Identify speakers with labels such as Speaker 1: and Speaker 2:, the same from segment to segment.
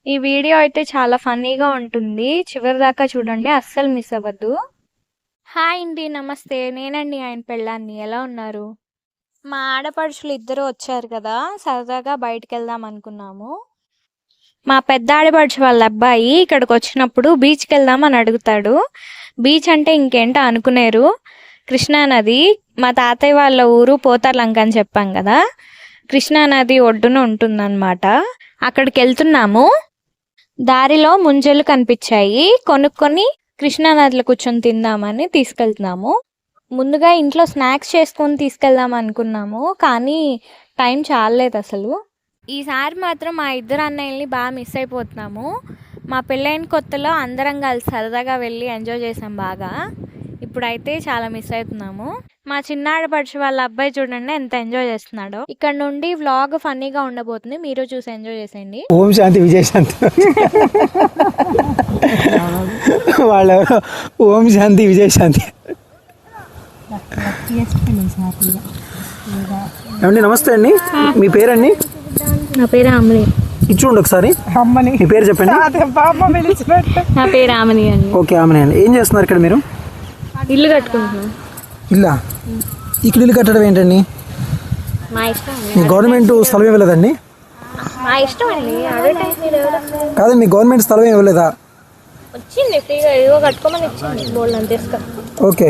Speaker 1: ఈ వీడియో అయితే చాలా ఫన్నీగా ఉంటుంది. చివరి దాకా చూడండి, అస్సలు మిస్ అవ్వద్దు. హాయ్ అండి, నమస్తే. నేనండి ఆయన పెళ్ళాన్ని. ఎలా ఉన్నారు? మా ఆడపడుచులు ఇద్దరు వచ్చారు కదా, సరదాగా బయటికి వెళ్దాం అనుకున్నాము. మా పెద్ద ఆడపడుచు వాళ్ళ అబ్బాయి ఇక్కడికి వచ్చినప్పుడు బీచ్కి వెళ్దామని అడుగుతాడు. బీచ్ అంటే ఇంకేంటో అనుకునేరు, కృష్ణానది. మా తాతయ్య వాళ్ళ ఊరు పోతార్లంక అని చెప్పాం కదా, కృష్ణానది ఒడ్డున ఉంటుందన్నమాట. అక్కడికి వెళ్తున్నాము. దారిలో ముంజలు కనిపించాయి, కొనుక్కొని కృష్ణానదిలో కూర్చొని తిందామని తీసుకెళ్తున్నాము. ముందుగా ఇంట్లో స్నాక్స్ చేసుకొని తీసుకెళ్దాం అనుకున్నాము, కానీ టైం చాలలేదు అసలు. ఈసారి మాత్రం మా ఇద్దరు అన్నయ్యల్ని బాగా మిస్ అయిపోతున్నాము. మా పెళ్ళైన కొత్తలో అందరం కలిసి సరదాగా వెళ్ళి ఎంజాయ్ చేసాం బాగా. ఇప్పుడైతే చాలా మిస్ అవుతున్నాము. మా చిన్నాడపడుచు వాళ్ళ అబ్బాయి చూడండి ఎంత ఎంజాయ్ చేస్తున్నాడో. ఇక్కడ నుండి వ్లాగ్ ఫన్నీగా ఉండబోతుంది, మీరు చూసి ఎంజాయ్ చేసేయండి.
Speaker 2: ఓం శాంతి విజయశాంతి వాళ్ళెవరో ఓం శాంతి విజయశాంతి. ఏమండి నమస్తే అండి, మీ పేరండి?
Speaker 1: నా పేరు ఆమని.
Speaker 2: ఇచ్చుండి ఒకసారి. అమ్మని మీ పేరు చెప్పండి.
Speaker 1: నా పేరు ఆమని అండి.
Speaker 2: ఓకే ఆమెనే అండి. ఏం చేస్తున్నారు ఇక్కడ మీరు?
Speaker 1: ఇల్లు కట్టుకుంటున్నాం.
Speaker 2: ఇల్లా? ఇక్కడ ఇల్లు కట్టడం ఏంటండి?
Speaker 1: మా ఇష్టం.
Speaker 2: మీ గవర్నమెంట్ స్థలం ఇవ్వలేదండి?
Speaker 1: మా ఇష్టం అండి.
Speaker 2: కాదండి, మీ గవర్నమెంట్ స్థలం ఇవ్వలేదా?
Speaker 1: వచ్చింది ఫ్రీగా, ఏదో కట్టుకోమని ఇచ్చింది బోల్డ్ అంత ఇసుక.
Speaker 2: ఓకే.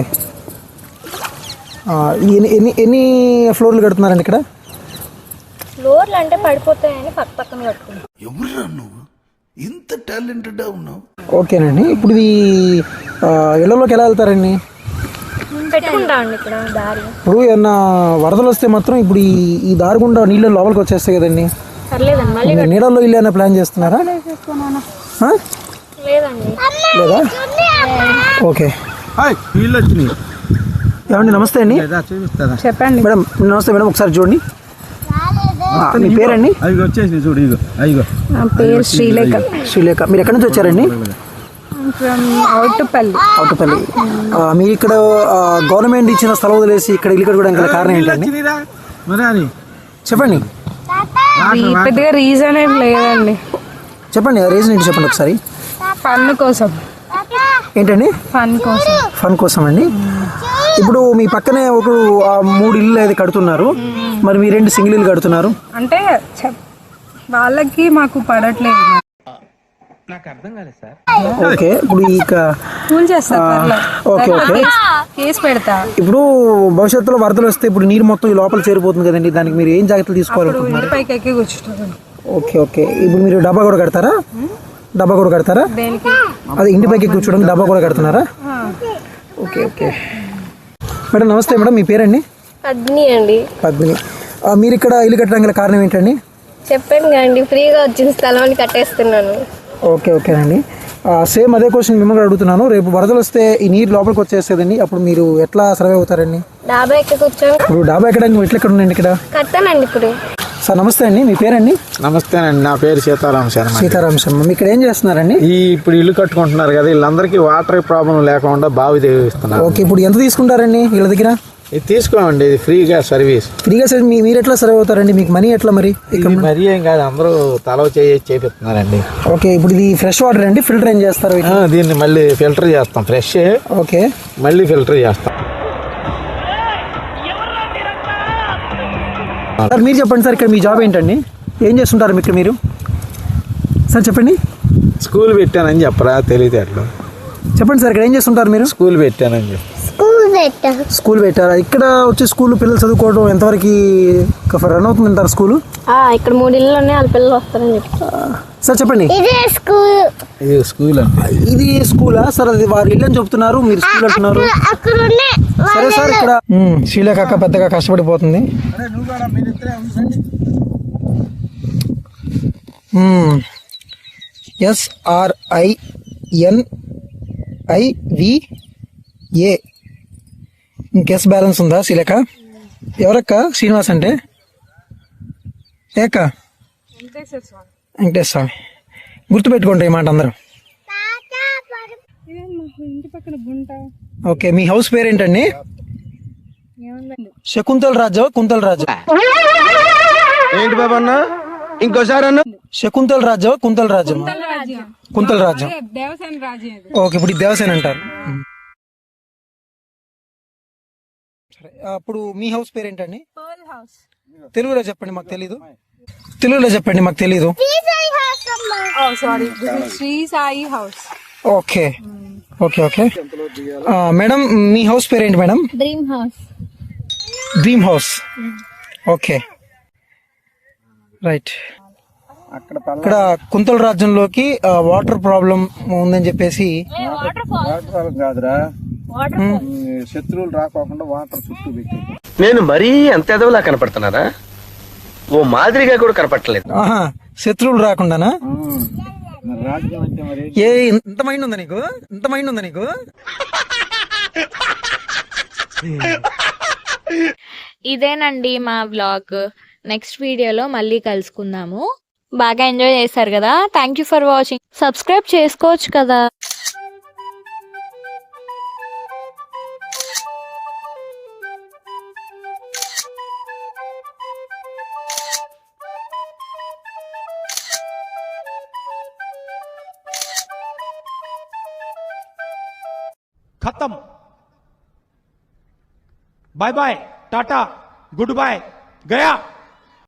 Speaker 2: ఎన్ని ఎన్ని ఫ్లోర్లు కడుతున్నారండి ఇక్కడ?
Speaker 1: ఫ్లోర్లు అంటే పడిపోతాయని పక్క పక్కన కట్టుకున్నాం.
Speaker 3: ఎవరురా నువ్వు ఇంత టాలెంటెడ్ ఉన్నావు?
Speaker 2: ఓకేనండి. ఇప్పుడు ఇది ఇళ్లలోకి ఎలా వెళ్తారండి?
Speaker 1: పెట్టుకుంటామండి ఇక్కడ దారి.
Speaker 2: ఇప్పుడు ఏమన్నా వరదలు వస్తే మాత్రం ఇప్పుడు ఈ దారి గుండా నీళ్ళు లోపలికి వచ్చేస్తాయి కదండి.
Speaker 1: పర్లేదండి, మళ్ళీ
Speaker 2: నీళ్ళల్లో ఇల్లు ఏమైనా ప్లాన్ చేస్తున్నారా?
Speaker 1: లేదండి.
Speaker 2: లేదా? ఓకే.
Speaker 3: వీళ్ళు వచ్చినాయి.
Speaker 2: ఏమండి నమస్తే అండి.
Speaker 1: చెప్పండి
Speaker 2: మేడం. నమస్తే మేడం, ఒకసారి చూడండి. మీ పేరండి?
Speaker 3: అవి వచ్చేసి చూడు, ఇగో అయ్యో.
Speaker 1: నా పేరు శ్రీలేఖ.
Speaker 2: శ్రీలేఖ. మీరు ఎక్కడి నుంచి వచ్చారండి?
Speaker 1: అవుటుపల్లి.
Speaker 2: అవుటుపల్లి. మీరు ఇక్కడ గవర్నమెంట్ ఇచ్చిన స్థలం వదిలేసి ఇక్కడ ఇల్లు కట్టుకోవడానికి గల కారణం ఏంటండి? చెప్పండి.
Speaker 1: పెద్దగా రీజన్ ఏం లేదండి.
Speaker 2: చెప్పండి, రీజన్ ఏంటి చెప్పండి ఒకసారి.
Speaker 1: ఫన్ కోసం.
Speaker 2: ఏంటండి?
Speaker 1: ఫన్ కోసం.
Speaker 2: ఫన్ కోసం అండి. ఇప్పుడు మీ పక్కనే ఒక 3 ఇల్లు అయితే కడుతున్నారు, మరి మీ 2 సింగిల్ ఇల్లు కడుతున్నారు
Speaker 4: అంటే వాళ్ళకి మాకు పడట్లేదు.
Speaker 3: నాకు అర్థం కాలేదు సార్.
Speaker 2: ఓకే. ఇప్పుడు
Speaker 4: కూల్ చేస్తా.
Speaker 2: Okay okay.
Speaker 4: కేసు పెడతా.
Speaker 2: ఇప్పుడు భవిష్యత్తులో వరదలు వస్తే ఇప్పుడు నీరు మొత్తం ఈ లోపల చేరిపోతుంది కదండి, దానికి మీరు ఏం జాగ్రత్తలు తీసుకోవాలనుకుంటున్నారు?
Speaker 4: పైకి ఎక్కి కూర్చుంటారు.
Speaker 2: Okay okay. ఇప్పుడు మీరు డబ్బా కూడా కడతారా? డబ్బా కూడా కడతారా? అదే ఇంటి పైకి కూర్చోడానికి డబ్బా కూడా కడుతున్నారా? Okay okay. మేడం నమస్తే మేడం, మీ పేరండి?
Speaker 5: పద్మిని అండి.
Speaker 2: పద్మిని. మీరు ఇక్కడ ఇల్లు కట్టడానికి గల కారణం ఏంటండి?
Speaker 5: చెప్పాను కదండి, ఫ్రీగా వచ్చిన స్థలాన్ని కట్టేస్తున్నాను.
Speaker 2: ఓకే ఓకేనండి. సేమ్ అదే క్వశ్చన్ మిమ్మల్ని అడుగుతున్నాను. రేపు వరదలు వస్తే ఈ నీరు లోపలికి వచ్చేస్తుందండి, అప్పుడు మీరు ఎట్లా సర్వే అవుతారండి?
Speaker 5: డాబా ఎక్కి కూర్చొని
Speaker 2: ఇప్పుడు డాబా ఎక్కడానికి ఎట్లా ఎక్కడ ఉండండి ఇక్కడ?
Speaker 5: కట్టానండి ఇప్పుడు.
Speaker 2: సార్ నమస్తే అండి, మీ పేరండి?
Speaker 6: నమస్తేనండి, నా పేరు సీతారామ శర్మ.
Speaker 2: సీతారామ శర్మ. మీ ఇక్కడ ఏం చేస్తున్నారండి?
Speaker 6: ఇప్పుడు ఇల్లు కట్టుకుంటున్నారు కదా, వీళ్ళందరికీ వాటర్ ప్రాబ్లం లేకుండా బావి తెగిస్తున్నారు.
Speaker 2: ఓకే. ఇప్పుడు ఎంత తీసుకుంటారండి వీళ్ళ దగ్గర?
Speaker 6: ఇది తీసుకోండి, ఇది ఫ్రీగా సర్వీస్.
Speaker 2: ఫ్రీగా సార్. మీరు ఎట్లా సర్వ్ అవుతారండి? మీకు మనీ ఎట్లా మరి?
Speaker 6: మరీ ఏం కాదు, అందరూ తలవ చేపిస్తున్నారండి.
Speaker 2: ఓకే. ఇప్పుడు ఇది ఫ్రెష్ వాటర్ అండి, ఫిల్టర్ ఏం చేస్తారు?
Speaker 6: దీన్ని మళ్ళీ ఫిల్టర్ చేస్తాం, ఫ్రెష్.
Speaker 2: ఓకే.
Speaker 6: మళ్ళీ ఫిల్టర్ చేస్తాం.
Speaker 2: సార్ మీరు చెప్పండి సార్, ఇక్కడ మీ జాబ్ ఏంటండి? ఏం చేస్తుంటారు ఇక్కడ మీరు? సార్ చెప్పండి.
Speaker 6: స్కూల్ పెట్టానని చెప్పరా, తెలియదు.
Speaker 2: చెప్పండి సార్, ఇక్కడ ఏం చేస్తుంటారు మీరు?
Speaker 6: స్కూల్ పెట్టానని చెప్పి.
Speaker 2: స్కూల్ పెట్టారా? ఇక్కడ వచ్చే స్కూల్ పిల్లలు చదువుకోవడం ఎంతవరకు రన్ అవుతుందంటారు స్కూల్?
Speaker 5: ఇక్కడ 3 ఇళ్ళు ఉన్నాయి, వాళ్ళ పిల్లలు వస్తారని చెప్పి.
Speaker 2: సార్ చెప్పండి.
Speaker 6: ఇది స్కూల్ అంటే
Speaker 2: ఇది స్కూలా సార్? అది వారి ఇల్లు అని చెప్తున్నారు, మీరు స్కూల్ అంటున్నారు. సరే సార్. ఇక్కడ శ్రీలేఖ అక్క పెద్దగా కష్టపడిపోతుంది. SRINIVA. ఇంకెస్ బ్యాలెన్స్ ఉందా శ్రీలేఖ? ఎవరక్క శ్రీనివాస్ అంటే? ఏక వెంకటేశ్వర స్వామి. గుర్తుపెట్టుకోండి ఈ మాట అందరూ. ఓకే. మీ హౌస్ పేరేంటండి? శకుంతల రాజు, కుంతల రాజు.
Speaker 3: ఏంటి బాబా అన్న?
Speaker 2: శకుంతల రాజ్యం కుంతల రాజ్యం కుంతల రాజ్యం
Speaker 4: దేవసేన రాజ్యం ఇది.
Speaker 2: ఓకే ఇప్పుడు ఇది దేవసేన అంటారు. సరే అప్పుడు మీ హౌస్ పేరేంటండి? తెలుగులో చెప్పండి మాకు తెలీదు. తెలుగులో చెప్పండి మాకు తెలీదు.
Speaker 4: Sorry Sri Sai house.
Speaker 2: Okay okay okay madam మీ హౌస్ పేరేంటి madam?
Speaker 5: Dream house.
Speaker 2: Dream house. Okay right. ఇక్కడ కుంతల రాజ్యంలోకి వాటర్ ప్రాబ్లం ఉందని చెప్పేసి
Speaker 6: కాదురా, శత్రువులు రాకోకుండా వాటర్ చుట్టూ పెట్టి.
Speaker 7: నేను మరీ అంత ఎదవలా కనపడుతున్నారా? ఓ మాదిరిగా కూడా కనపడలేదు.
Speaker 2: ఆహా శత్రువులు రాకుండానా?
Speaker 6: మరి రాజ్యం అంటే మరి
Speaker 2: ఏ ఇంత మైండ్ ఉందా నీకు? ఇంత మైండ్ ఉందా నీకు?
Speaker 1: ఇదేనండి మా వ్లాగ్. నెక్స్ట్ వీడియోలో మళ్ళీ కలుసుకుందాము. బాగా ఎంజాయ్ చేశారు కదా. Thank you for watching. Subscribe చేసుకోవచ్చు కదా.
Speaker 8: खत्म। Bye bye, tata, goodbye, गया।